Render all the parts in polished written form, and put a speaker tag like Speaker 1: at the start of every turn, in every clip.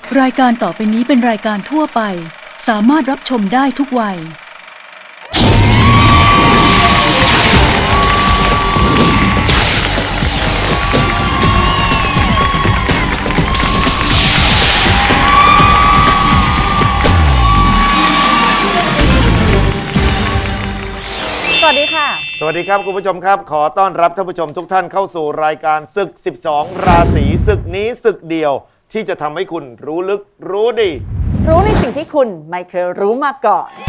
Speaker 1: รายการต่อไปนี้เป็นรายการทั่วไปสามารถรับชมได้ทุกวัย
Speaker 2: สวัสดีค่ะ
Speaker 3: สวัสดีครับคุณผู้ชมครับขอต้อนรับท่านผู้ชมทุกท่านเข้าสู่รายการศึก 12 ราศีศึกนี้ศึกเดียวที่จะทำให้คุณรู้ลึกรู้ดี
Speaker 2: รู้ในสิ่งที่คุณไม่เคยรู้มาก่อน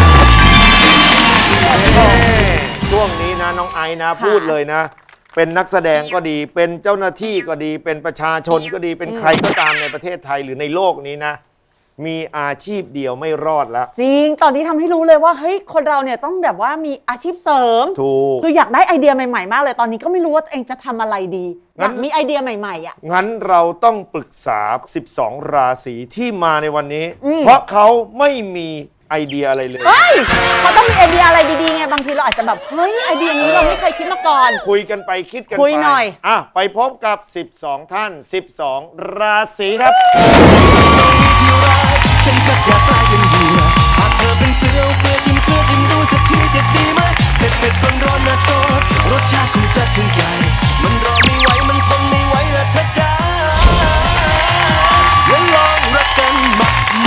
Speaker 3: ช่วงนี้นะน้องไอนะพูดเลยนะ เป็นนักแสดงก็ดีเป็นเจ้าหน้าที่ก็ดีเป็นประชาชนก็ดีเป็นใครก็ตามในประเทศไทยหรือในโลกนี้นะมีอาชีพเดียวไม่รอดแล้ว
Speaker 2: จริงตอนนี้ทำให้รู้เลยว่าเฮ้ยคนเราเนี่ยต้องแบบว่ามีอาชีพเสริม
Speaker 3: ถูก
Speaker 2: คืออยากได้ไอเดียใหม่ๆมากเลยตอนนี้ก็ไม่รู้ว่าตัวเองจะทำอะไรดีอยากมีไอเดียใหม่ๆอ่ะ
Speaker 3: งั้นเราต้องปรึกษา 12 ราศีที่มาในวันนี้เพราะเขาไม่มีไอเดียอะไรเลย
Speaker 2: เฮ้ยเขาต้องมีไอเดียอะไรดีๆไงบางทีเราอาจจะแบบเฮ้ยไอเดียนี้เราไม่เคยคิดมาก่อน
Speaker 3: คุยกันไปคิดกันไป
Speaker 2: คุยหน่อย
Speaker 3: ไปพบกับ 12 ท่าน 12 ราศีครับ
Speaker 4: ฉันชักอยากกลายเป็นเหยื่อหากเธอเป็นเสือเกลือจิ้มดูสักทีจะดีไหมเผ็ดร้อนนะโซดรสชาติคงจะถึงใจมันรอไม่ไหวมันทนไม่ไหวละเธอจ้างั้นลองรักกันมา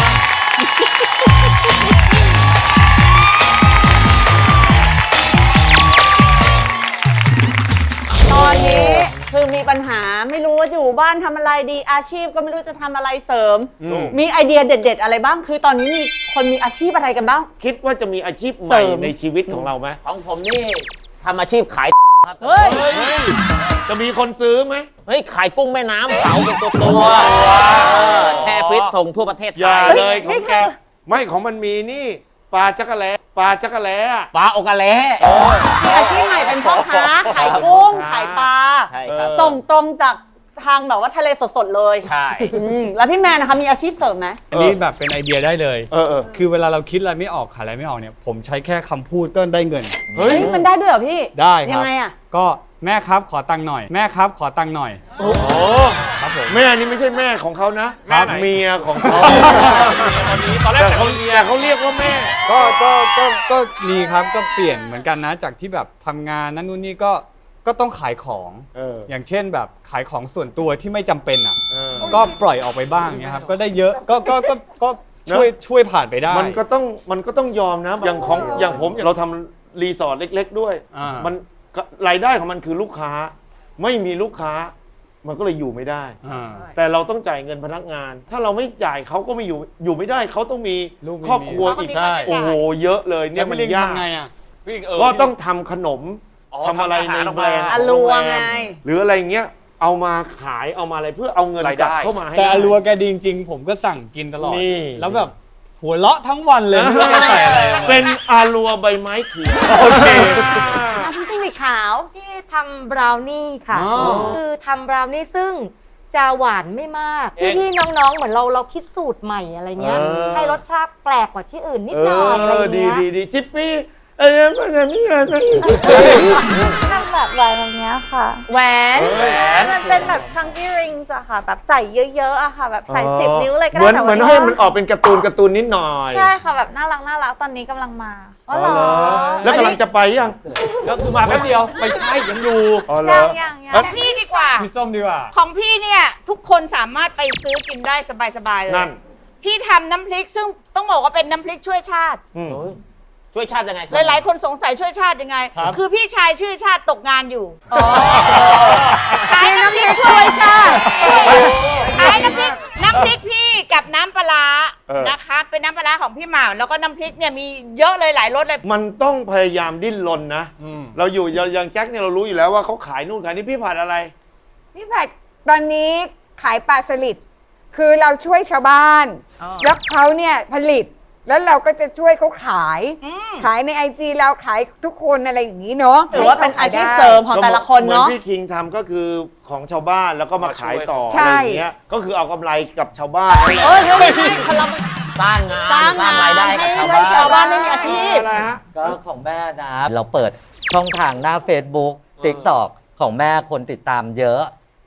Speaker 2: ตอนนี้คือมีปัญหาไม่รู้ว่าอยู่บ้านทำอะไรดีอาชีพก็ไม่รู้จะทำอะไรเสริมมีไอเดียเด็ดๆอะไรบ้างคือตอนนี้มีคนมีอาชีพอะไรกันบ้าง
Speaker 3: คิดว่าจะมีอาชีพใหม่ในชีวิตของเราไหม
Speaker 5: ของผมนี่ทำอาชีพขายครับ
Speaker 2: เฮ้ย
Speaker 3: จะมีคนซื้อไหม
Speaker 5: เฮ้ยขายกุ้งแม่น้ำเผาเป็นตัวแช่ฟิตส่งทั่วประเทศไทย
Speaker 3: อย่าเลยของแกไม่ของมันมีนี่ปลาจักระแลปลา
Speaker 5: อกะแล
Speaker 2: อาชีพใหม่เป็นพ่อค้าขายกุ้งขายปลา
Speaker 5: ใช่ครับ
Speaker 2: ส่งตรงจากทางแบบว่าทะเลสดๆเลย
Speaker 5: ใช่
Speaker 2: แล้วพี่แมนนะคะมีอาชีพเสริมไหม
Speaker 6: อันนี้แบบเป็นไอเดียได้เลยคือเวลาเราคิดอะไรไม่ออกขายอะไรไม่ออกเนี่ยผมใช้แค่คำพูดก็ได้เงิน
Speaker 2: เฮ้ยมันได้ด้วยเหรอพี่
Speaker 6: ได้ครับ
Speaker 2: ยังไงอ่ะ
Speaker 6: ก็แม่ครับขอตังค์หน่อยแม่ครับขอตังค์หน่อย
Speaker 3: โอ้ครับผมแม่นี่ไม่ใช่แม่ของเขานะครับเมียของเขาตอนแรกแต่เขาเรียกว่าแม่
Speaker 6: ก็มีครับก็เปลี่ยนเหมือนกันนะจากที่แบบทำงานนั่นนู่นนี่ก็ต้องขายของอย่างเช่นแบบขายของส่วนตัวที่ไม่จำเป็นอ่ะก็ปล่อยออกไปบ้างเนี่ยครับก็ได้เยอะก็ช่วยผ่านไปได้
Speaker 3: มันก็ต้องยอมนะอย่างผมเราทำรีสอร์ทเล็กๆด้วยมันรายได้ของมันคือลูกค้าไม่มีลูกค้ามันก็เลยอยู่ไม่ได้แต่เราต้องจ่ายเงินพนักงานถ้าเราไม่จ่ายเขาก็ไม่อยู่ไม่ได้เขาต้องมีครอบครัวอีกโอ้โหเยอะเลยเนี่ยมันยากก็ต้องทำขนมทำอะไรในแบรนด์
Speaker 2: อลัวไง
Speaker 3: หรืออะไรเงี้ยเอามาขายเอามาอะไรเพื่อเอาเงินกลับเข้ามาให้
Speaker 6: แต่อลัวแกดีจริงๆผมก็สั่งกินตลอดแล้วแบบหัวเราะทั้งวันเลยไม่ได้ใส่อะไร
Speaker 3: เป็นอาลัวใบไม้เขียวโอเค
Speaker 2: พี่จิ้งหรีดขาว
Speaker 7: ที่ทำบราวนี่ค่ะคือทำบราวนี่ซึ่งจะหวานไม่มากพี่น้องๆเหมือนเราคิดสูตรใหม่อะไรเงี้ยให้รสชาติแปลกกว่าที่อื่นนิดหน่อยอะไรเงี้ย
Speaker 3: ดีจิ๊ปปี้มันจะมีอะไร
Speaker 7: ทำแบบแหวนแบบนี้ค่ะ
Speaker 2: แหวน
Speaker 7: มันเป็นแบบ chunky rings อะค่ะแบบใส่เยอะๆอะค่ะแบบใส่10 นิ้วเลยก็
Speaker 3: ได้เหมือนให้มันออกเป็นการ์ตูนนิดหน่อย
Speaker 7: ใช่ค่ะแบบน่ารักตอนนี้กำลังมา
Speaker 3: อ๋อเหรอแล้วกำลังจะไปยัง
Speaker 6: ก็คือมาแป๊บเดียวไปใช่ยังอยู่
Speaker 7: ยัง
Speaker 8: ของพี่ดีกว่า
Speaker 6: พี่ส้มดีกว่า
Speaker 8: ของพี่เนี่ยทุกคนสามารถไปซื้อกินได้สบายๆเลยพี่ทำน้ำพริกซึ่งต้องบอกว่าเป็นน้ำพริกช่วยชาติ
Speaker 5: ช่วยชาติยังไง
Speaker 8: หลายๆคนสงสัยช่วยชาติยังไงคือพี่ชายชื่อชาติตกงานอยู่ขายน้ำพริกช่วยชาติขายน้ำพริกพี่กับน้ำปลานะคะเป็นน้ำปลาของพี่หม่ำแล้วก็น้ำพริกเนี่ยมีเยอะเลยหลายรสเลย
Speaker 3: มันต้องพยายามดิ้นรนนะเราอยู่อย่างแจ็คเนี่ยเรารู้อยู่แล้วว่าเขาขายนู่นขายนี่พี่ผัดอะไร
Speaker 9: พี่ผัดตอนนี้ขายปลาสลิดคือเราช่วยชาวบ้านแล้วเขาเนี่ยผลิตแล้วเราก็จะช่วยเขาขายใน IG เราขายทุกคนอะไรอย่างนี้เนาะ
Speaker 2: หรือว่าเป็นอาชีพเสริมของแต่ละคนเนาะ
Speaker 3: เหมือนพี่คิงทำก็คือของชาวบ้านแล้วก็มาขายต่ออะไรอย่างเงี้ยก็คือเอากำไรกับชาวบ้าน
Speaker 2: ไม่ใช่
Speaker 5: สร้างงานสร้างรายได้กับ
Speaker 2: ชาวบ้านไม่มีอาชีพ
Speaker 5: ก็ของแม่นะเราเปิดช่องทางหน้า Facebook TikTok ของแม่คนติดตามเยอะ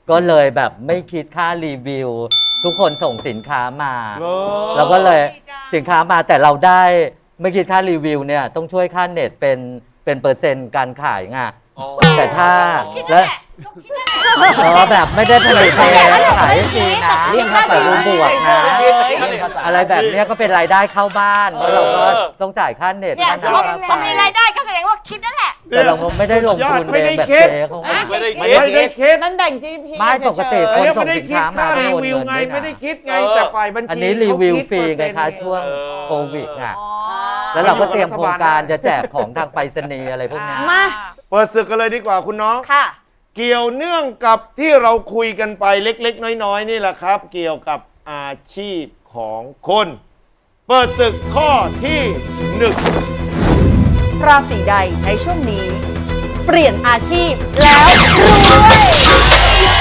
Speaker 10: ก็เลยแบบไม่คิดค่ารีวิว ทุกคนส่งสินค้ามา
Speaker 3: เหรอ
Speaker 10: เราก็เลยสินค้ามาแต่เราได้ไม่คิดค่ารีวิวเนี่ยต้องช่วยค่าเน็ตเป็นเปอร์เซ็นต์การขายไงแต่ถ้าแล้วแบบไม่ได้ผลิตเองขายจริงนะเรียกภาษาบวกนะอะไรแบบเนี้ยก็เป็นรายได้เข้าบ้านเพราะเราก็ต้องจ่ายค่าเน็ต
Speaker 8: เนี่ย
Speaker 10: ค่า
Speaker 8: พอ
Speaker 10: น้ำ
Speaker 8: พอมีรายได้ก็แสดงว่าคิดนั่นแหละ
Speaker 10: แต่เราไม่ได้ลงทุนเองแบบเจ๊เขา
Speaker 3: ไม่ได้คิด
Speaker 2: นั่นแบ่ง GP
Speaker 10: ไม่ปกติ
Speaker 3: เอ
Speaker 10: คน
Speaker 3: อ
Speaker 10: ส่
Speaker 3: ไม่
Speaker 10: ง
Speaker 3: ได้
Speaker 10: สิน
Speaker 3: คิด
Speaker 10: ค้ามา
Speaker 3: ค่า
Speaker 10: ไม่
Speaker 3: รี
Speaker 10: โอน
Speaker 3: วิว
Speaker 10: เงิน
Speaker 3: ไง
Speaker 10: ด้วย
Speaker 3: ไม่ได้
Speaker 10: นะ
Speaker 3: คิดไงแต่ฝ่ายบัญชี
Speaker 10: อันนี้รีวิวฟรีไง
Speaker 3: เขา
Speaker 10: คะ
Speaker 3: ด
Speaker 10: ช่วง
Speaker 3: เปอร์เซ็นต์
Speaker 10: โควิดอ่ะแล้วเราก็เตรียมโครงการจะแจกของทางไปรษณีย์อะไรพวกนี้
Speaker 2: มา
Speaker 3: เปิดศึกกันเลยดีกว่าคุณน้อง
Speaker 2: ค่ะ
Speaker 3: เกี่ยวเนื่องกับที่เราคุยกันไปเล็กๆ น้อยๆนี่แหละครับ เกี่ยวกับอาชีพของคน เปิดศึกข้อที่หนึ่ง
Speaker 2: ราศีใดในช่วงนี้ เปลี่ยนอาชีพแล้วรวย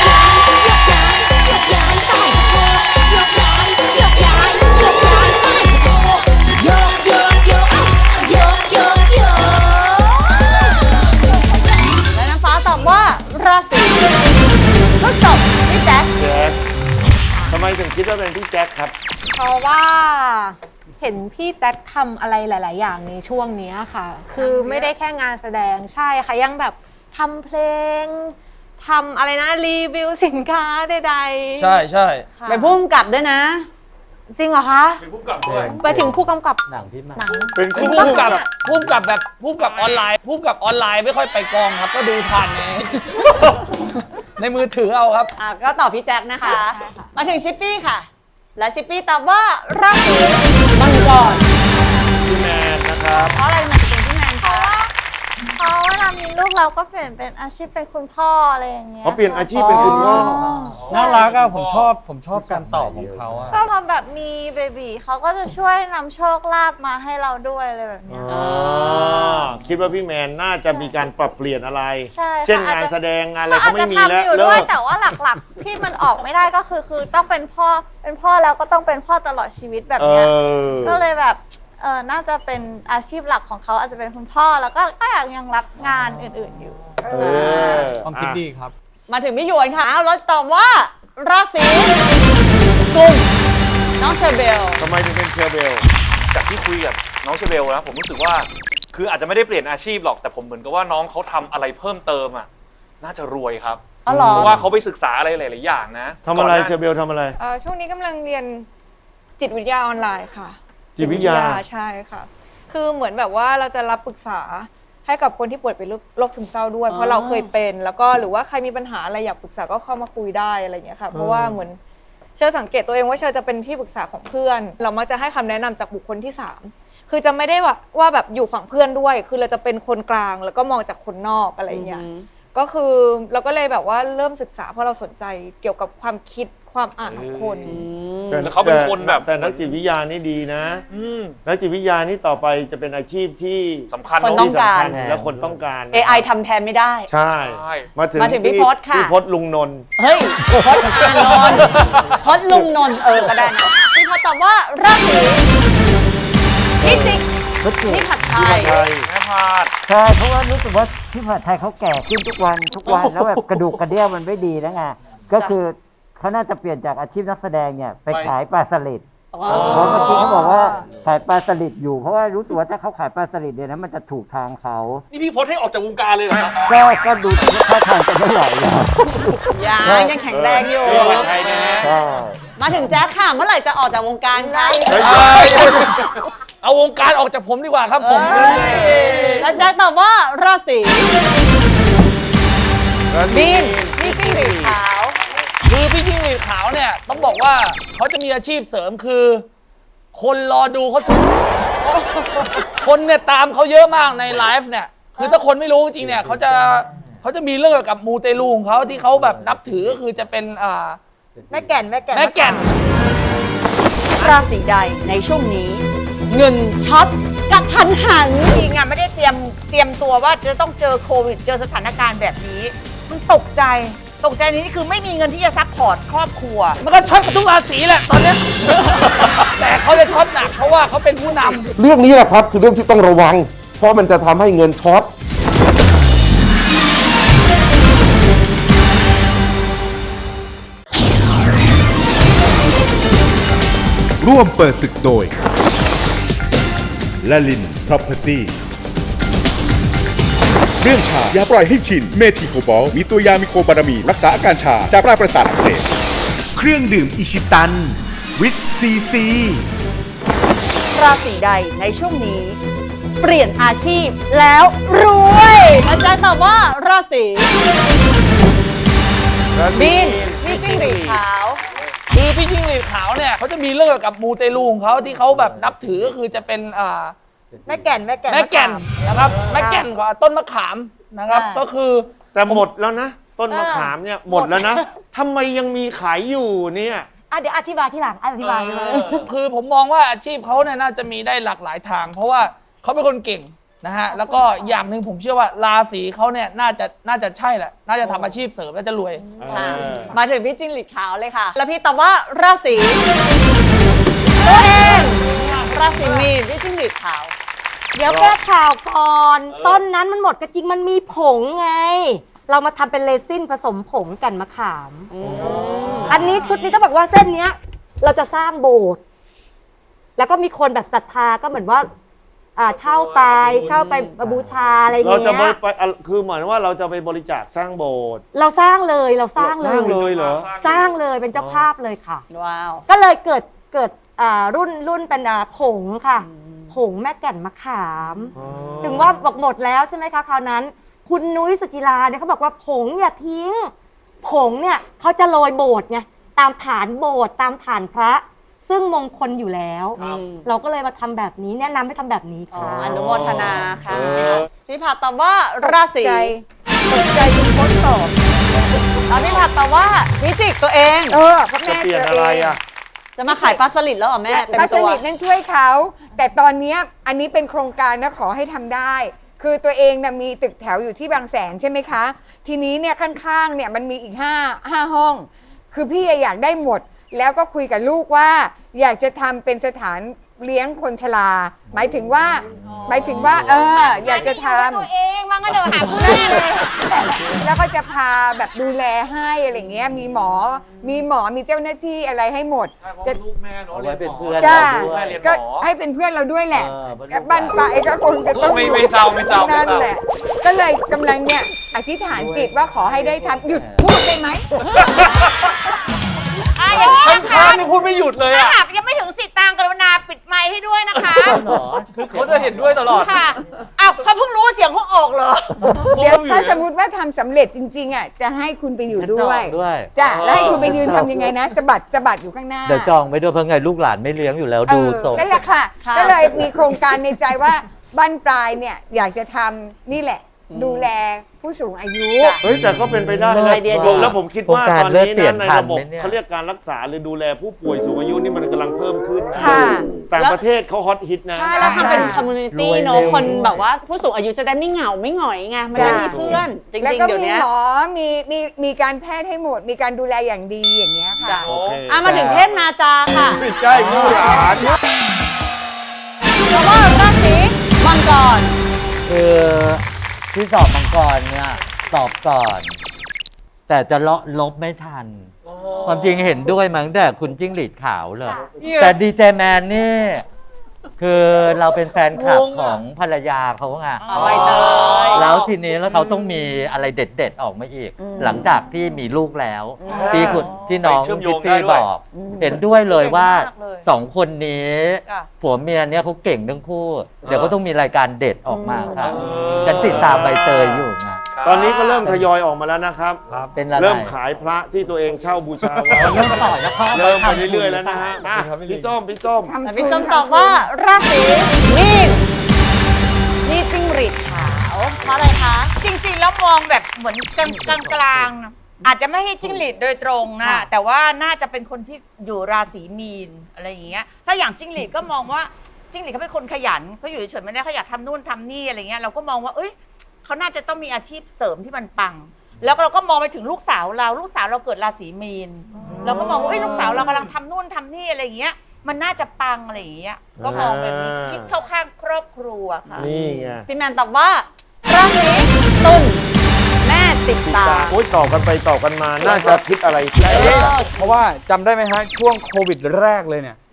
Speaker 2: และน้ำฟ้าตอบว่าราศีพฤษภพี่แจ๊ค
Speaker 3: แจ็คทำไมถึงคิดว่าเป็นพี่แจ็คครับ
Speaker 11: เพราะว่าเห็นพี่แจ็คทำอะไรหลาย ๆ อย่างในช่วงนี้ค่ะ คือไม่ได้แค่งานแสดงใช่ค่ะ ยังแบบทำเพลงทำอะไรนะรีวิวสินค้าใดๆ
Speaker 5: ใช่ใช่
Speaker 11: ค่ะ
Speaker 2: เป็นผู้กำกับด้วยนะ
Speaker 11: จริงเหรอคะ
Speaker 3: เป็นผู้กำกับด้วย
Speaker 11: ไปถึงผู้กำกับ
Speaker 10: หนังพี่มา
Speaker 11: หนัง
Speaker 3: เป็น
Speaker 5: เป็นผู้กำกับผู้กำกับแบบผู้กำกับออนไลน์ผู้กำกับออนไลน์ไม่ค่อยไปกองครับ ก็ดูผ่านในมือถือเอาครับ
Speaker 2: ก็ตอบพี่แจ็คนะคะ มาถึงชิปปี้ค่ะ และชิปปี้ตอบว่าราศีมังกร
Speaker 3: พี่แมนนะครับ
Speaker 2: เพราะอะไรมันจะเป็นพี่แมนคะ
Speaker 12: เพราะเวลามีลูกเราก็เปลี่ยนเป็นอาชีพเป็นคุณพ่ออะไรอย่างเงี้ย
Speaker 3: เขาเปลี่ยนอาชีพเป็นคุณพ่อ
Speaker 6: น่ารักอะผมชอบการตอบของเขาอะ
Speaker 12: ก็พอแบบมีเบบีเขาก็จะช่วยนำโชคลาภมาให้เราด้วยอะไรแบบเนี้ย
Speaker 3: คิดว่าพี่แมนน่าจะมีการปรับเปลี่ยนอะไร
Speaker 12: ใช่ค่ะ
Speaker 3: เช่นงาน
Speaker 12: อาจจะ
Speaker 3: แสดงงานอะไร
Speaker 12: อา
Speaker 3: เขา
Speaker 12: จ
Speaker 3: ไม่
Speaker 12: จะ
Speaker 3: มีแล้ว
Speaker 12: ทำอยู่
Speaker 3: เลิ
Speaker 12: ด้วย
Speaker 3: ก
Speaker 12: แต่ว่าหลักๆ ที่มันออกไม่ได้ก็คือต้องเป็นพ่อแล้วก็ต้องเป็นพ่อตลอดชีวิตแบบเนี้ยก็เลยแบบน่าจะเป็นอาชีพหลักของเขาอาจจะเป็นคุณพ่อแล้วก็ยังรับงานอื่นๆอยู่
Speaker 6: ความคิดดีครับ
Speaker 2: มาถึงพี่หยวนค่ะเราตอบว่าราศีกุมน้องเชอร์เบล
Speaker 3: ทำไมถึงเป็นเชอร์เบล
Speaker 13: จากที่คุยกับน้องเชเบลนะผมรู้สึกว่าคืออาจจะไม่ได้เปลี่ยนอาชีพหรอกแต่ผมเหมือนกับว่าน้องเขาทำอะไรเพิ่มเติมอ่ะน่าจะรวยครับ
Speaker 2: อ๋อเหรอ
Speaker 13: เพราะว่าเขาไปศึกษาอะไรหลายๆอย่างนะ
Speaker 3: ทำอะไร
Speaker 13: ก่นหน้า
Speaker 3: เชอร์เบลทำอะไร
Speaker 11: ช่วงนี้กำลังเรียนจิตวิทยาออนไลน์ค่ะ
Speaker 3: จิตวิทยา
Speaker 11: ใช่ค่ะ คือเหมือนแบบว่าเราจะรับปรึกษาให้กับคนที่ป่วยเป็นโรคซึมเศร้าด้วย เพราะเราเคยเป็นแล้วก็หรือว่าใครมีปัญหาอะไรอยากปรึกษาก็เข้ามาคุยได้อะไรอย่างเงี้ยค่ะเพราะว่าเหมือนเชอสังเกตตัวเองว่าเชอจะเป็นที่ปรึกษาของเพื่อน เรามักจะให้คำแนะนำจากบุคคลที่3คือจะไม่ได้ว่าแบบอยู่ฝั่งเพื่อนด้วย คือเราจะเป็นคนกลางแล้วก็มองจากคนนอกอะไรอย่างเงี้ยก็คือเราก็เลยแบบว่าเริ่มศึกษาเพราะเราสนใจเกี่ยวกับความคิดความอ่านของคน
Speaker 13: แล้วเขาเป็นคนแบบ
Speaker 3: แต่นักจิตวิทยานี่ดีนะนักจิตวิทยานี่ต่อไปจะเป็นอาชีพที่
Speaker 13: สำคัญ
Speaker 2: คนต้องการ
Speaker 3: ที่สำคัญและคนต้องการ
Speaker 2: AI ทำแทนไม่ได้
Speaker 3: ใช่ มาถึง
Speaker 2: พี่พศค่ะ
Speaker 3: พี่พศลุงนนท์
Speaker 2: เฮ้ยพจน์อานนท์พจน์ลุงนนท์ก็ได้นะพี่พจน์ตอบว่าราศีพิจิกพี่ผัดไทย
Speaker 13: แม่พาด
Speaker 14: ใช่เพราะว่ารู้สึกว่าพี่ผัดไทยเขาแก่ขึ้นทุกวันแล้วแบบกระดูกกระเดี่ยวมันไม่ดีแล้วไงก็คือเขาน่าจะเปลี่ยนจากอาชีพนักแสดงเนี่ยไปขายปลาสลิดเพราะเมื่อกี้เขาบอกว่าขายปลาสลิดอยู่เพราะว่ารู้สึกว่าถ้าเขาขายปลาสลิดเนี่ยนะมันจะถูกทางเขา
Speaker 13: นี่พี่พศให้ออกจากวงการเลยเหรอครับ
Speaker 14: ก็ดูท่าทางจะไม่ไหวแล้ว
Speaker 2: ยังแข็งแรงอยู่
Speaker 3: ไทยนะฮะ
Speaker 14: ใช่
Speaker 2: มาถึงแจ๊คค่ะเมื่อไหร่จะออกจากวงการคะ
Speaker 5: เอาวงการออกจากผมดีกว่าครับผม
Speaker 2: แล้วแจ๊คตอบว่าราศีบีนพี่จิ้งหรีดขาว
Speaker 5: คือพี่จิ้งหรีดขาวเนี่ยต้องบอกว่าเขาจะมีอาชีพเสริมคือ คนรอดูเขาสิคนเนี่ยตามเขาเยอะมากในไลฟ์เนี่ยคือถ้าคนไม่รู้จริงๆเนี่ยเขาจะมีเรื่องเกี่ยวกับมูเตลูของเขาที่เขาแบบนับถือก็คือจะเป็น
Speaker 11: แม่แก่น
Speaker 5: แม่แก่น
Speaker 2: ราศีใดในช่วงนี้ เงินช็อตกระทันหัน
Speaker 8: จริงอะไม่ได้เตรียมตัวว่าจะต้องเจอโควิดเจอสถานการณ์แบบนี้ มันตกใจนี้คือไม่มีเงินที่จะซัพพอร์ตครอบครัว
Speaker 5: มันก็ช็อตกับทุกราศีแหละตอนเนี้ย แต่เขาจะช็อตหนักเพราะว่าเขาเป็นผู้นำ
Speaker 15: เรื่องนี้แหละครับคือเรื่องที่ต้องระวัง เพราะมันจะทำให้เงินช็อต
Speaker 16: ร่วมเปิดศึกโดยละลิน Property เรื่องชาอย่าปล่อยให้ชินเมทิโคบอลมีตัวยามิโคบารามีรักษาอาการชาจากปลายประสาทอักเสบเครื่องดื่มอิชิตันวิตซีซี
Speaker 2: ราศีใดในช่วงนี้ เปลี่ยนอาชีพแล้วรวยอาจารย์ตอบว่าราศีมีนพี่จิ้งหรีดขาว
Speaker 5: คือพี่จิ้งหรีดขาวเนี่ยเขาจะมีเรื่องเกี่ยวกับมูเตลูของเขาที่เขาแบบนับถือก็คือจะเป็น
Speaker 7: แม่แก่น
Speaker 5: นะครับแม่แก่นกว่าต้นมะขามนะครับก็คือ
Speaker 3: แต่หมดแล้วนะ ต้นมะขามเนี่ยหมดแล้วนะทำไมยังมีขายอยู่เนี่ย
Speaker 7: เดี๋ยวอธิบายที่หลังอธิบายเลย
Speaker 5: คือผมมองว่าอาชีพเขาเนี่ยน่าจะมีได้หลากหลายทาง เพราะว่าเขาเป็นคนเก่งนะฮะแล้วก็อย่างหนึ่งผมเชื่อว่าราศีเขาเนี่ยน่าจะใช่แหละน่าจะทำอาชีพเสริมน่าจะรวย
Speaker 2: มาถึงพี่จิ้งหรีดขาวเลยค่ะ แล้วพี่ตอบว่าราศีตัวเองราศีมีนพี่จิ้งหรีดขาว
Speaker 7: เดี๋ยวแก้ข่าวก่อนต้นนั้นมันหมดก็จริงมันมีผงไง เรามาทำเป็นเรซินผสมผงกันมะขามอันนี้ชุดนี้ต้องบอกว่าเส้นเนี้ยเราจะสร้างโบสถ์แล้วก็มีคนแบบศรัทธาก็เหมือนว่าเช่าไปบูชาอะไรอย่างเงี้ย
Speaker 3: เราจะไปคือเหมือนว่าเราจะไปบริจาคสร้างโบสถ์
Speaker 7: เราสร้างเลยเหรอสร้างเลยเป็นเจ้าภาพเลยค่ะ
Speaker 2: ว้าว
Speaker 7: ก็เลยเกิดรุ่นเป็นผงค่ะผงแม่แก่นมะขามถึงว่าบอกหมดแล้วใช่ไหมคะคราวนั้นคุณนุ้ยสุจิราเนี่ยเขาบอกว่าผงอย่าทิ้งผงเนี่ยเขาจะโรยโบสถ์ไงตามฐานโบสถ์ตามฐานพระซึ่งมงคลอยู่แล้วเราก็เลยมาทำแบบนี้แนะนำให้ทำแบบนี้ค่ะ
Speaker 2: อนุโมทนาค่ะพี่ผัดตอบว่าราศีตกใจคุณโค้ชตอบแล้วพี่ผัดตอบว่าพิจิกตัวเอง
Speaker 9: เพราะแม่เปลี่ยนอะไร
Speaker 2: จะมาขายปลาสลิดแล้วเหรอแม่
Speaker 9: ปลาสลิดนั่นช่วยเขาแต่ตอนนี้อันนี้เป็นโครงการนะขอให้ทำได้คือตัวเองนะมีตึกแถวอยู่ที่บางแสนใช่ไหมคะทีนี้เนี่ยข้างๆเนี่ยมันมีอีก5ห้องคือพี่อยากได้หมดแล้วก็คุยกับลูกว่าอยากจะทำเป็นสถานเลี้ยงคนชราหมายถึงว่าอยากจะทำ
Speaker 8: ตัวเองว่างั้นเดี๋ยวหาเพื่อน
Speaker 9: แล้วก็จะพาแบบดูแลให้อะไรเงี้ยมีหมอมีเจ้าหน้าที่อะไรให้หมด
Speaker 13: จะลูกแม่เนาะเรียนหมอ
Speaker 9: จ้าก็ให้เป็นเพื่อนเราด้วยแหละบ้านปลายก็คงจะต้อง
Speaker 13: ไม่เจ้า
Speaker 9: นั่นแหละก็เลยกำลังเนี่ยอธิษฐานจิตว่าขอให้ได้ทำหยุดพูดได้ไหม
Speaker 8: อย่างนี้นะคะ
Speaker 13: นี่พูดไม่หยุดเลย
Speaker 8: ถ้าหากยังไม่ถึงสิทธิ์ตางกรุณาปิดไมค์ให้ด้วยนะคะ
Speaker 13: คือเขาจะเห็นด้วยตลอด
Speaker 8: ค่ะเขาเพิ่งรู้เสียงเขาออกเหรอ
Speaker 9: เดี๋ยวถ้าสมมติว่าทำสำเร็จจริงๆจะให้คุณไปอยู่ด้วยจ้ะแล้วให้คุณไปยืนทำยังไงนะสะบัดอยู่ข้างหน้า
Speaker 10: เดี๋ยวจองไปด้วยเพราะไงลูกหลานไม่เลี้ยงอยู่แล้วดูทรง
Speaker 9: นั่นแหละค่ะก็เลยมีโครงการในใจว่าบ้านปลายเนี่ยอยากจะทำนี่แหละดูแลผู้สูงอายุ
Speaker 3: แต่ก็เป็นไปได้แล้วผมคิดว่าตอนนี้นะในระบบเขาเรียกการรักษาหรือดูแลผู้ป่วยสูงอายุนี่มันกำลังเพิ่มขึ้นต่างประเทศเขาฮอตฮิตนะ
Speaker 2: ใช่แล้วทำเป็นคอมมูนิตี้เนาะคนแบบว่าผู้สูงอายุจะได้ไม่เหงาไม่หงอยไงมันจะมีเพื่อนจริงๆเดี๋ยวนี้
Speaker 9: แล้วก็มีหมอมีการแพทย์ให้หมดมีการดูแลอย่างดีอย่างเงี้ยค่ะ
Speaker 2: มาถึงเทพนาจาค่ะ
Speaker 3: ไม่ใช่ผู้หลาน
Speaker 2: เพราะว่าราศีมังกร
Speaker 10: คือที่สอบมังกรเนี่ยสอบก่อนแต่จะลบไม่ทันความจริงเห็นด้วยมั้งแต่คุณจิ้งหรีดขาวเลยแต่ดีเจแมนนี่คือเราเป็นแฟนคลับของภรรยาเขาไงแล้วทีนี้แล้วเขาต้องมีอะไรเด็ดๆออกมาอีกหลังจากที่มีลูกแล้วที่น้องคิตตี้บอกเห็นด้วยเลยว่า2คนนี้ผัวเมียเนี่ยเขาเก่งทั้งคู่เดี๋ยวก็ต้องมีรายการเด็ดออกมาครับฉันติดตามใบเตยอยู่ไง
Speaker 3: ตอนนี้ก็เริ่มทยอยออกมาแล้วนะครับเริ่มขายพระที่ตัวเองเช่าบูชาไว้
Speaker 10: เริ่มต่อแล้ว
Speaker 3: เริ่มไปเรื่อยๆแล้วนะฮะพี่ส้ม
Speaker 2: ตอบว่าราศีมีนนี่จิ้งหรีดขาวเพราะอะไรคะ
Speaker 8: จริงๆแล้วมองแบบเหมือนกลางๆอาจจะไม่ให้จิ้งหรีดโดยตรงนะแต่ว่าน่าจะเป็นคนที่อยู่ราศีมีนอะไรอย่างเงี้ยถ้าอย่างจิ้งหรีดก็มองว่าจิ้งหรีดเขาเป็นคนขยันเขาอยู่เฉยๆไม่ได้เขาอยากทำนู่นทำนี่อะไรเงี้ยเราก็มองว่าเขาน่าจะต้องมีอาชีพเสริมที่มันปังแล้วเราก็มองไปถึงลูกสาวเราเกิดราศีมีนเราก็มองว่าลูกสาวเรากำลังทำนู่นทำนี่อะไรอย่างเงี้ยมันน่าจะปังอะไรอย่างเงี้ยก็มองแบบนี้คิดเข้าข้างครอบครัวค่ะ
Speaker 3: นี่ไง
Speaker 2: พี่แมนตอบว่าราศีตุลแม่ติดตา
Speaker 3: ตอบกันไปตอบกันมาน่าจะคิดอะไร
Speaker 6: เพราะว่าจำได้ไหมฮะช่วงโควิดแรกเลยเนี่ย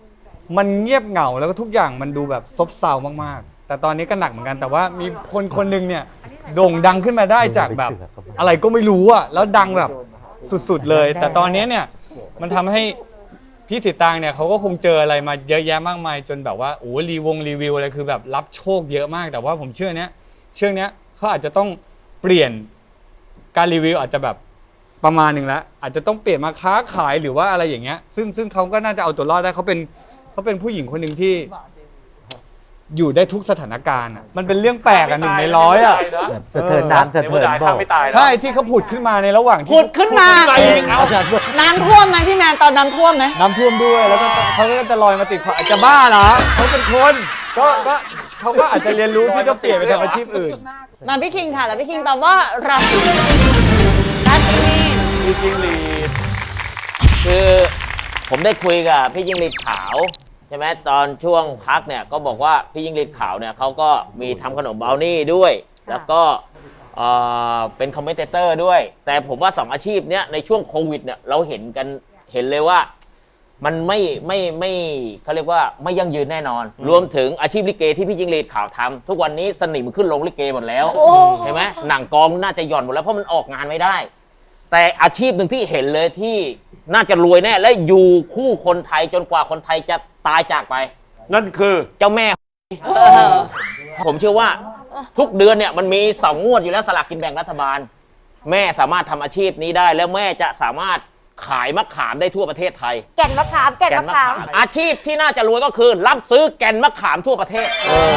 Speaker 6: มันเงียบเหงาแล้วก็ทุกอย่างมันดูแบบซบเซามากๆแต่ตอนนี้ก็หนักเหมือนกันแต่ว่ามีคนหนึ่งเนี่ยโด่งดังขึ้นมาได้จากแบบอะไรก็ไม่รู้อะแล้วดังแบบสุดๆเลยแต่ตอนนี้เนี่ยมันทำให้พี่สิตางเนี่ยเขาก็คงเจออะไรมาเยอะแยะมากมายจนแบบว่าโอ้รีวิวอะไรคือแบบรับโชคเยอะมากแต่ว่าผมเชื่อเนี้ยเขาอาจจะต้องเปลี่ยนการรีวิวอาจจะแบบประมาณหนึ่งแล้วอาจจะต้องเปลี่ยนมาค้าขายหรือว่าอะไรอย่างเงี้ยซึ่งเขาก็น่าจะเอาตัวรอดได้เขาเป็นผู้หญิงคนหนึ่งที่อยู่ได้ทุกสถานการณ์อ่ะมันเป็นเรื่องแปลกอ่ะ1 ใน 100อ่ะ
Speaker 10: สะเทินน้ำสะเทินบ่อ
Speaker 6: ใช่ที่เขาผุดขึ้นมาในระหว่างที่
Speaker 2: ผุดขึ้นมาน้ำท่วมไหมพี่แมนตอนน้ำท่วมไหม
Speaker 6: น้ำท่วมด้วยแล้วก็เขาก็จะลอยมาติดอาจจะบ้าเหรอเขาเป็นคนก็เขาก็อาจจะเรียนรู้ที่จะเปลี่ยนไปทำอาชีพอื่น
Speaker 2: มาพี่คิงค่ะแล้วพี่คิงตอบว่าราศีมีน
Speaker 3: พี่จิ้งหรีด
Speaker 17: คือผมได้คุยกับพี่ยิ่งฤทธิ์ขาวใช่ไหมตอนช่วงพักเนี่ยก็บอกว่าพี่ยิ่งฤทธิ์ขาวเนี่ยเขาก็มีทำขนมบราวนี่ด้วย แล้วก็เป็นคอมเมนเตอร์ด้วยแต่ผมว่า2อาชีพเนี้ยในช่วงโควิดเนี่ยเราเห็นเลยว่ามันไม่เขาเรียกว่าไม่ยั่งยืนแน่นอนรวมถึงอาชีพลิเกที่พี่ยิ่งฤทธิ์ขาวทำทุกวันนี้สนิมขึ้นลงลิเกหมดแล้วใช่ไหมหนังกองน่าจะหย่อนหมดแล้วเพราะมันออกงานไม่ได้แต่อาชีพหนึ่งที่เห็นเลยที่น่าจะรวยแน่และอยู่คู่คนไทยจนกว่าคนไทยจะตายจากไป
Speaker 3: นั่นคือ
Speaker 17: เจ้าแม่ผมเชื่อว่าทุกเดือนเนี่ยมันมี2 งวดอยู่แล้วสลากกินแบ่งรัฐบาลแม่สามารถทำอาชีพนี้ได้แล้วแม่จะสามารถขายมะขามได้ทั่วประเทศไทย
Speaker 7: แก่นมะขาม
Speaker 17: อาชีพที่น่าจะรวยก็คือรับซื้อแก่นมะขามทั่วประเทศ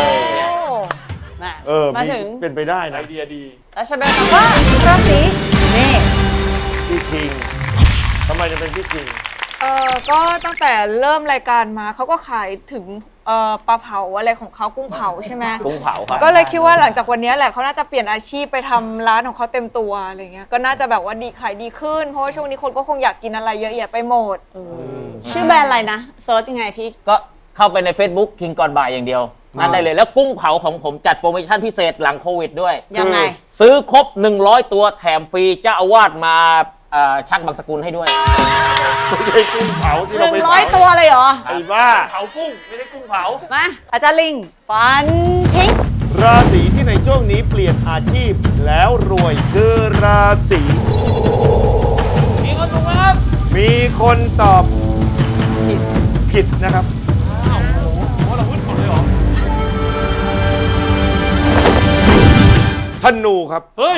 Speaker 2: มาถึง
Speaker 3: เป็นไปได้นะไอ
Speaker 13: เดียดี
Speaker 2: แล้วฉันบอกว่าราศีเมษ
Speaker 3: พี่คิงทำไมจะเป็นพี่คิง
Speaker 11: ก็ตั้งแต่เริ่มรายการมาเขาก็ขายถึงปลาเผาอะไรของเขากุ้งเผาใช่ไหม
Speaker 17: กุ้งเผาครับ
Speaker 11: ก็เลยคิดว่าหลังจากวันนี้แหละเขาน่าจะเปลี่ยนอาชีพไปทำร้านของเขาเต็มตัวอะไรเงี้ยก็น่าจะแบบว่าขายดีขึ้นเพราะว่าช่วงนี้คนก็คงอยากกินอะไรเยอะแยะไปหมด
Speaker 2: ชื่อแบรนด์อะไรนะเซิร์ชยังไงพี่
Speaker 17: ก็เข้าไปใน Facebook คิงก่อนบ่ายอย่างเดียวนั่นได้เลยแล้วกุ้งเผาของผมจัดโปรโมชั่นพิเศษหลังโควิดด้วย
Speaker 2: ยังไง
Speaker 17: ซื้อครบ100ตัวแถมฟรีเจ้าอาวาสมาชักบางสกุลให้ด้วย
Speaker 3: ไม่ใช่กุ้งเผาที่เราไป
Speaker 2: 100 ตัวเลยเหรอ
Speaker 3: ไอ้บ้า
Speaker 13: เผากุ้งไม่ใช่กุ้งเผา
Speaker 2: มาอาจารย์ลิงฟันทิ้ง
Speaker 3: ราศีที่ในช่วงนี้เปลี่ยนอาชีพแล้วรวยคือราศี
Speaker 5: มีคนถูกครับ
Speaker 3: มีคนตอบผิดนะครับ
Speaker 13: เราพูดหมดเลยเหรอ
Speaker 3: ธนูครับ
Speaker 13: เฮ้ย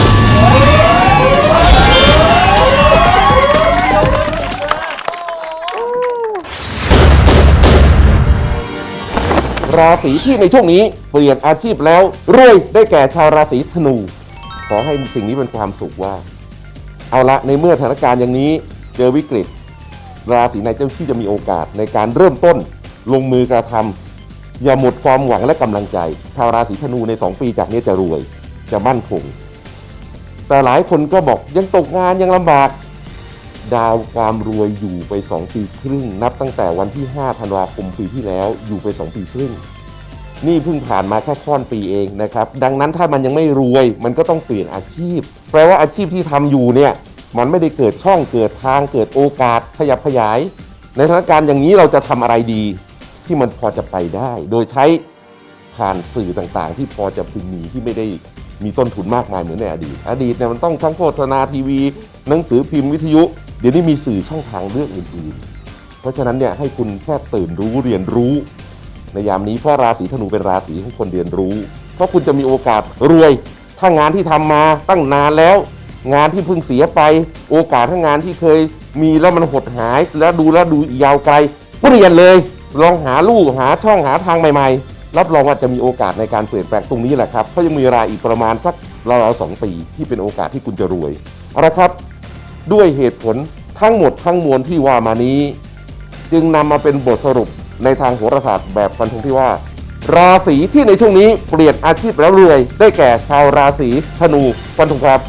Speaker 15: ราศีที่ในช่วงนี้เปลี่ยนอาชีพแล้วรวยได้แก่ชาวราศีธนูขอให้สิ่งนี้เป็นความสุขว่าเอาละในเมื่อสถานการณ์อย่างนี้เจอวิกฤตราศีไหนที่จะมีโอกาสในการเริ่มต้นลงมือกระทำอย่าหมดความหวังและกำลังใจชาวราศีธนูใน2 ปีจากนี้จะรวยจะมั่นคงแต่หลายคนก็บอกยังตกงานยังลำบากดาวความรวยอยู่ไป2 ปีครึ่งนับตั้งแต่วันที่5 ธันวาคมปีที่แล้วอยู่ไป2 ปีครึ่งนี่เพิ่งผ่านมาแค่ค่อนปีเองนะครับดังนั้นถ้ามันยังไม่รวยมันก็ต้องเปลี่ยนอาชีพแปลว่าอาชีพที่ทำอยู่เนี่ยมันไม่ได้เกิดช่องเกิดทางเกิดโอกาสขยับขยายในสถานการณ์อย่างนี้เราจะทำอะไรดีที่มันพอจะไปได้โดยใช้ผ่านสื่อต่างๆที่พอจะพึงมีที่ไม่ได้มีต้นทุนมากมายเหมือนในอดีตเนี่ยมันต้องทั้งโฆษณาทีวีหนังสือพิมพ์วิทยุเดี๋ยวนี้มีสื่อช่องทางเลือกอื่นๆเพราะฉะนั้นเนี่ยให้คุณแค่ตื่นรู้เรียนรู้ในยามนี้เพราะราศีธนูเป็นราศีของคนเรียนรู้เพราะคุณจะมีโอกาสรวยถ้างานที่ทำมาตั้งนานแล้วงานที่เพิ่งเสียไปโอกาสทั้งงานที่เคยมีแล้วมันหดหายแล้วดูยาวไกลเปลี่ยนเลยลองหาลู่หาช่องหาทางใหม่ๆรับรองว่าจะมีโอกาสในการเปลี่ยนแปลงตรงนี้แหละครับเพราะยังมีเวลาอีกประมาณสักราวๆ2 ปีที่เป็นโอกาสที่คุณจะรวยเอาละครับด้วยเหตุผลทั้งหมดทั้งมวลที่ว่ามานี้จึงนำมาเป็นบทสรุปในทางโหราศาสตร์แบบฟันธงที่ว่าราศีที่ในช่วงนี้เปลี่ยนอาชีพแล้วรวยได้แก่ชาวราศีธนูฟันธงครับ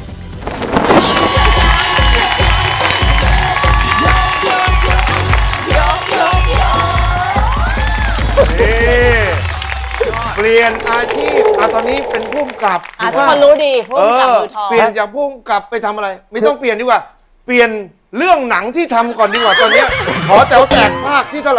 Speaker 3: เปลี่ยนอาชีพตอนนี้เป็นผู้กำกับ
Speaker 2: ทุกคนรู้ดีผู้กำกับมือทอง
Speaker 3: เปลี่ยนจากผู้กำกับไปทำอะไรไม่ต้องเปลี่ยนดีกว่าเปลี่ยนเรื่องหนังที่ทำก่อนดีกว่าตอนนี้ขอแต๋วแตกภาคที่เท่าไหร่ละ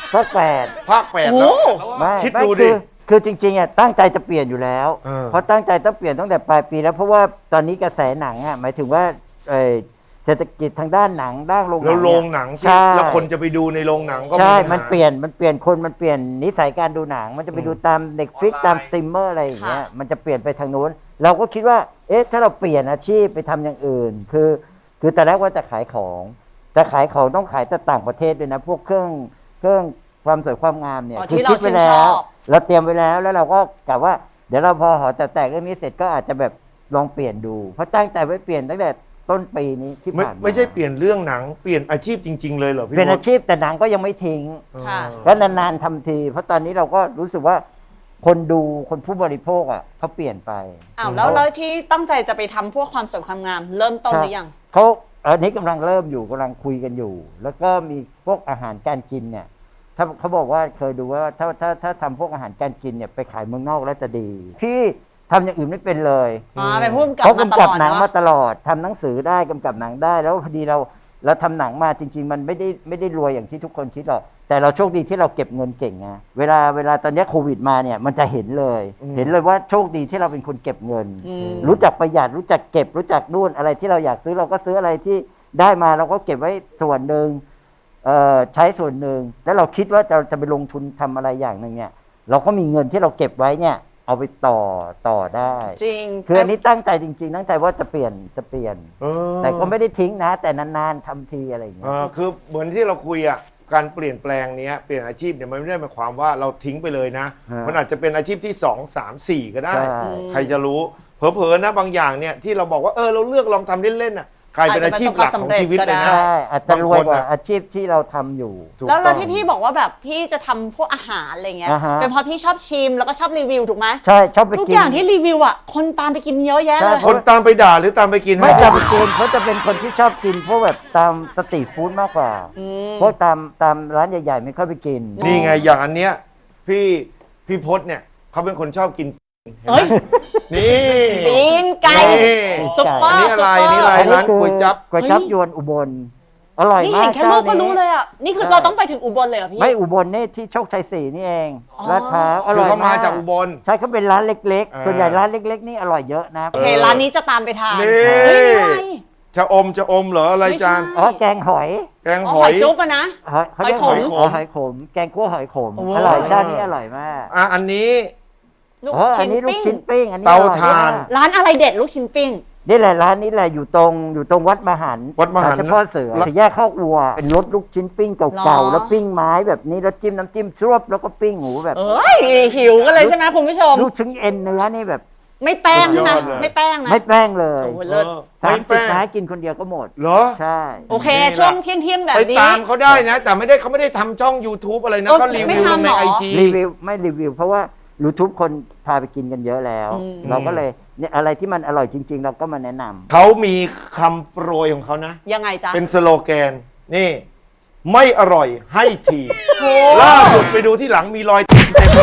Speaker 14: ภาค
Speaker 3: ภาค 8
Speaker 2: โอ้
Speaker 3: แล้ว
Speaker 14: ไม่
Speaker 3: คิด
Speaker 14: ไม่
Speaker 3: ดูดิ
Speaker 14: คือจริงๆอ่ะตั้งใจจะเปลี่ยนอยู่แล้ว เพราะตั้งใจต้องเปลี่ยนตั้งแต่ปลายปีแล้วเพราะว่าตอนนี้กระแสหนังอ่ะหมายถึงว่าเศรษฐกิจทางด้านหนังด้านโรงหนั
Speaker 3: แล้ว
Speaker 14: ง
Speaker 3: โรงหนังที่
Speaker 14: ใช่
Speaker 3: แล้วคนจะไปดูในโรงหนังก็
Speaker 14: ใช่
Speaker 3: ปัญหา
Speaker 14: มันเปลี่ยนคนมันเปลี่ยนนิสัยการดูหนัง มันจะไปดูตามเน็ตฟลิกตามสตรีมเมอร์อะไรอย่างเงี้ยมันจะเปลี่ยนไปทางนู้นเราก็คิดว่าเอ๊ะถ้าเราเปลี่ยนอาชีพไปทำอย่างอื่นคือแต่แรกว่าจะขายของต้องขายแต่ต่างประเทศด้วยนะพวกเครื่องความสวยความงามเนี่ยคือคิดไว้แล้วเราเตรียมไว้แล้วแล้วเราก็กะว่าเดี๋ยวเราพอหอแตกเรื่องนี้เสร็จก็อาจจะแบบลองเปลี่ยนดูเพราะตั้งใจไว้เปลี่ยนตั้งแต่ต้นปีนี้ที่ผ่านมา
Speaker 3: ไม่ใช่เปลี่ยนเรื่องหนังเปลี่ยนอาชีพจริง ๆ เลยเหรอพี่
Speaker 14: เป็น
Speaker 3: ม
Speaker 14: อา
Speaker 3: ด
Speaker 14: ชีพแต่หนังก็ยังไม่ทิ้ง
Speaker 2: ค่ะ
Speaker 14: ก็นานๆทำที เพราะตอนนี้เราก็รู้สึกว่าคนดูคนผู้บริโภคอ่ะเขาเปลี่ยนไป
Speaker 2: อ้าวแล้วที่ตั้งใจจะไปทำพวกความสวยความงาม เริ่มต้นหรือยัง
Speaker 14: เขาอันนี้กำลังเริ่มอยู่กำลังคุยกันอยู่ แล้วก็มีพวกอาหารการกินเนี่ยถ้าเขาบอกว่าเคยดูว่าถ้าทำพวกอาหารการกินเนี่ยไปขายเมืองนอกแล้วจะดีพี่ทำอย่างอื่นไม่เป็นเลย
Speaker 2: เป็นผู้กำกับ
Speaker 14: เขากำกับ
Speaker 2: มาตลอด
Speaker 14: หนัง
Speaker 2: เนอะ
Speaker 14: มาตลอดทำหนังสือได้กำกับหนังได้แล้วพอดีเราทำหนังมาจริง ๆ มันไม่ได้รวยอย่างที่ทุกคนคิดหรอกแต่เราโชคดีที่เราเก็บเงินเก่งไงเวลาตอนนี้โควิดมาเนี่ยมันจะเห็นเลยว่าโชคดีที่เราเป็นคนเก็บเงิน รู้จักประหยัดรู้จักเก็บรู้จักนู่นอะไรที่เราอยากซื้อเราก็ซื้ออะไรที่ได้มาเราก็เก็บไว้ส่วนหนึ่งใช้ส่วนหนึ่งแล้วเราคิดว่าจะไปลงทุนทำอะไรอย่างหนึ่งเนี่ยเราก็มีเงินที่เราเก็บไว้เนี่ยเอาไปต่อได้
Speaker 2: จริง
Speaker 14: คืออันนี้ตั้งใจจริงๆตั้งใจว่าจะเปลี่ยนแต่ก็ไม่ได้ทิ้งนะ แต่นานๆทำทีอะไรอย่างเงี้ย
Speaker 3: คือเหมือนที่เราคุยอ่ะการเปลี่ยนแปลงเนี้ยเปลี่ยนอาชีพเนี่ยมันไม่ได้หมายความว่าเราทิ้งไปเลยนะ มันอาจจะเป็นอาชีพที่ 2, 3, 4 ก็ได้ ใครจะรู้เผลอๆนะบางอย่างเนี่ยที่เราบอกว่าเราเลือกลองทำเล่นๆน่ะกลายเป็นอาชีพหลักของชีวิตเลยนะ
Speaker 14: ใช่อาจจะรวยกว่าอาชีพที่เราทำอยู่
Speaker 2: แล้วที่พี่บอกว่าแบบพี่จะทำพวกอาหารอะไรเงี้ย เป็นเพราะพี่ชอบชิมแล้วก็ชอบรีวิวถูกไหม
Speaker 14: ใช่ชอบไปกิน
Speaker 2: ทุกอย่างที่รีวิวอ่ะคนตามไปกินเยอะแยะเลย
Speaker 3: คนตามไปด่าหรือตามไปกิน
Speaker 14: ไม่ตามไปกินเขาจะเป็นคนที่ชอบกินพวกแบบตามสตรีทฟู้ดมากกว่าพวกตามร้านใหญ่ๆไม่ค่อยไปกิน
Speaker 3: นี่ไงอย่างอันเนี้ยพี่พจน์เนี่ยเขาเป็นคนชอบกินนี่
Speaker 2: ปีนไก่ซุปเปอร์
Speaker 3: นี่อะไรร้านก๋วยจั๊บ
Speaker 14: ก๋วยจั๊บยวนอุบลอร่อย
Speaker 2: นี่
Speaker 14: มาก
Speaker 2: เห็นแค่รูปก็รู้เลยอ่ะนี่คือเราต้องไปถึงอุบลเลยเหรอพี่
Speaker 14: ไม่อุบลนี่ที่โชคชัย4นี่เองลาดพร้าวอ
Speaker 3: คื
Speaker 14: ร่
Speaker 3: อ
Speaker 14: อย
Speaker 3: เขา
Speaker 14: มาม
Speaker 3: าก จากอุบล
Speaker 14: ใช่เขาเป็นร้านเล็กๆส่วนใหญ่ร้านเล็กๆนี่อร่อยเยอะนะ
Speaker 2: โอเคร้านนี้จะตามไปทาน
Speaker 3: นี่
Speaker 2: เฮ้ยนี่อะไร
Speaker 3: จะอมเหรออะไรจาน
Speaker 14: แกงหอย
Speaker 3: แกง
Speaker 2: อ๋อ
Speaker 3: ห
Speaker 2: ห
Speaker 3: อ
Speaker 2: อย ยจุ๊บอะนะ
Speaker 14: เขาเรียกหอยขมแกงคั่วหอยขมอร่อยด้านนี้อร่อยมาก
Speaker 3: อันนี้
Speaker 2: ลูก
Speaker 14: อั
Speaker 2: ชิ้
Speaker 14: น
Speaker 2: น
Speaker 14: นี้ลูก
Speaker 2: ปิ้ง
Speaker 14: ชิ้นปิ้งอันนี้
Speaker 3: เตา
Speaker 14: อร่อย
Speaker 3: ถ่าน
Speaker 14: มาก
Speaker 2: ร้านอะไรเด็ดลูกชิ้นปิ้ง
Speaker 14: นี่แหละร้านนี้แหละอยู่ตรงวัดมหันต์
Speaker 3: วัดมหันต์
Speaker 14: เฉพาะเสือสี่แยกข้าววัวเป็นรถลูกชิ้นปิ้ง
Speaker 2: หร
Speaker 14: เก่า
Speaker 2: อ
Speaker 14: ๆแล้วปิ้งไม้แบบนี้แล้วจิ้มน้ำจิ้มชรบแล้วก็ปิ้งหมูแบบ
Speaker 2: เอ้ยหิวกันเลยใช่ไหมคุณผู้ชม
Speaker 14: ลูกชิ้นเอ็นเนื้อนี่แบบ
Speaker 2: ไม่แป้งใช่ไหม
Speaker 3: สุดยอดเลย
Speaker 2: ไม่แป้งนะ
Speaker 14: ไม่แป้งเลย
Speaker 2: โอ้โหเลิศ
Speaker 14: 30 ไม้กินคนเดียวก็หมด
Speaker 3: เหรอ
Speaker 14: ใช่
Speaker 2: โอเคช่วงเที่ยงแบบ
Speaker 3: ไป
Speaker 2: นี้
Speaker 3: ตามเขาได้นะ แต่เขาไม่ได้ทำช่อง YouTube อะไรนะ
Speaker 2: เออ
Speaker 3: เขารี
Speaker 2: ไม่
Speaker 3: วิวลง
Speaker 2: ทำ
Speaker 3: ใน
Speaker 2: หรอ
Speaker 3: ไอจี
Speaker 14: รีวิวไม่รีวิว เพราะว่า YouTube คนพาไปกินกันเยอะแล้ว เราก็เลยเนี่ยอะไรที่มันอร่อยจริง ๆ เราก็มาแนะนำ
Speaker 3: เขามีคำโปรยของเขานะ
Speaker 2: ยังไงจ๊ะ
Speaker 3: เป็นสโลแกนนี่ ไม่อร่อยให้ที
Speaker 2: โอ้
Speaker 3: ล่าสุดไปดูที่หลังมีรอยเต็มไปหมด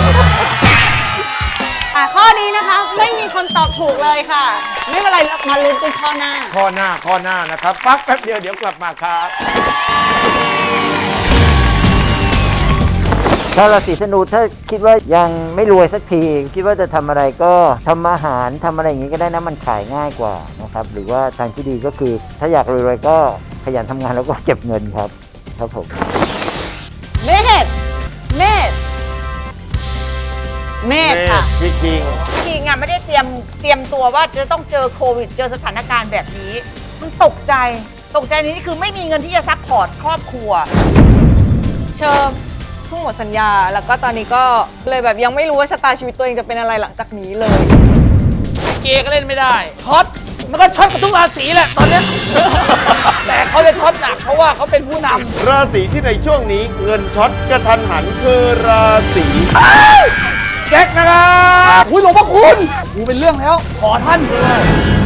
Speaker 2: ข้อนี้นะคะ ไม่มีคนตอบถูกเลยค่ะ ไม่เป็นไรมาลุ้นกันข้อหน้า
Speaker 3: ข้อหน้านะครับพักแป๊บเดียวเดี๋ยวกลับมาครับ
Speaker 14: ถ้าราศีธนูถ้าคิดว่ายังไม่รวยสักที คิดว่าจะทำอะไรก็ทำอาหารทำอะไรอย่างนี้ก็ได้นะมันขายง่ายกว่านะครับหรือว่าทางที่ดีก็คือ ถ้าอยากรวยๆก็ขยันทำงานแล้วก็เก็บเงินครับผม
Speaker 2: เมษค่ะ
Speaker 3: พี่คิง
Speaker 8: จริงอ่ะไม่ได้เตรียมตัวว่าจะต้องเจอโควิดเจอสถานการณ์แบบนี้ มันตกใจนี้คือไม่มีเงินที่จะซัพพอร์ตครอบครัว
Speaker 11: เชิญเพิ่งหมดสัญญา แล้วก็ตอนนี้ก็เลยแบบยังไม่รู้ว่าชะตาชีวิตตัวเองจะเป็นอะไรหลังจากนี้เลย
Speaker 5: เกย์ก็เล่นไม่ได้ช็อตมันก็ช็อตกับทุกราศีแหละตอนเนี้ย แต่เขาจะช็อตหนักเพราะว่าเขาเป็นผู้นำ
Speaker 3: ราศีที่ในช่วงนี้เงินช็อตกระทันหันคือราศีแจ็คนะครับ
Speaker 5: อุ้ยหลวงพ่อคุณกูเป็นเรื่องแล้ว ขอท่านเลย